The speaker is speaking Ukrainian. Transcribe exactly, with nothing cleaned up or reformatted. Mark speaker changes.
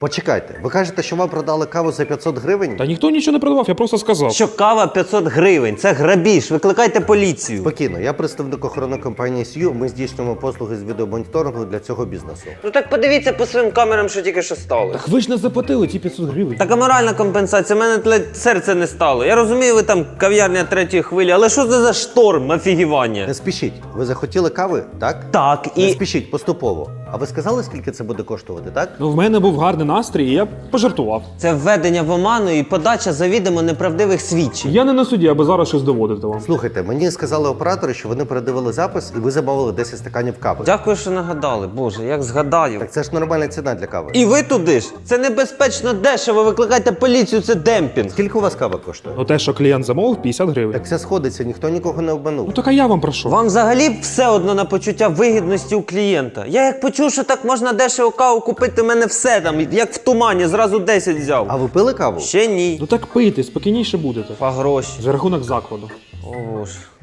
Speaker 1: Почекайте, ви кажете, що вам продали каву за п'ятсот гривень?
Speaker 2: Та ніхто нічого не продавав, я просто сказав.
Speaker 3: Що кава п'ятсот гривень, це грабіж, викликайте поліцію.
Speaker 1: Спокійно, я представник охоронної компанії Сью, ми здійснюємо послуги з відеомоніторингу для цього бізнесу.
Speaker 3: Ну так подивіться по своїм камерам, що тільки що стало.
Speaker 2: Так ви ж не заплатили ті п'ятсот гривень.
Speaker 3: Така моральна компенсація, в мене ледь серце не стало. Я розумію, ви там кав'ярня третьої хвилі, але що це за шторм офігівання?
Speaker 1: Не спішіть, ви захотіли кави, так?
Speaker 3: Так,
Speaker 1: Не
Speaker 3: і...
Speaker 1: спішіть, поступово. А ви сказали, скільки це буде коштувати, так?
Speaker 2: Ну, в мене був гарний настрій, і я пожартував.
Speaker 3: Це введення в оману і подача завідомо неправдивих свідчень.
Speaker 2: Я не на суді, аби зараз щось доводити вам.
Speaker 1: Слухайте, мені сказали оператори, що вони передивили запис і ви замовили десять стаканів кави.
Speaker 3: Дякую, що нагадали. Боже, як згадаю.
Speaker 1: Так це ж нормальна ціна для кави.
Speaker 3: І ви туди ж? Це небезпечно дешево, викликайте поліцію, це демпінг.
Speaker 1: Скільки у вас кава коштує?
Speaker 2: Ну те, що клієнт замовив, п'ятдесят гривень.
Speaker 1: Так все сходиться, ніхто нікого не обманув.
Speaker 2: Ну так а я вам прошу.
Speaker 3: Вам взагалі все одно на почуття вигідності у клієнта. Я як почув, що так можна дешево каву купити, мене все там, як в тумані, зразу десять взяв.
Speaker 1: А ви пили каву?
Speaker 3: Ще ні.
Speaker 2: Ну так пийте, спокійніше будете.
Speaker 3: По гроші.
Speaker 2: За рахунок закладу.
Speaker 3: О, Боже.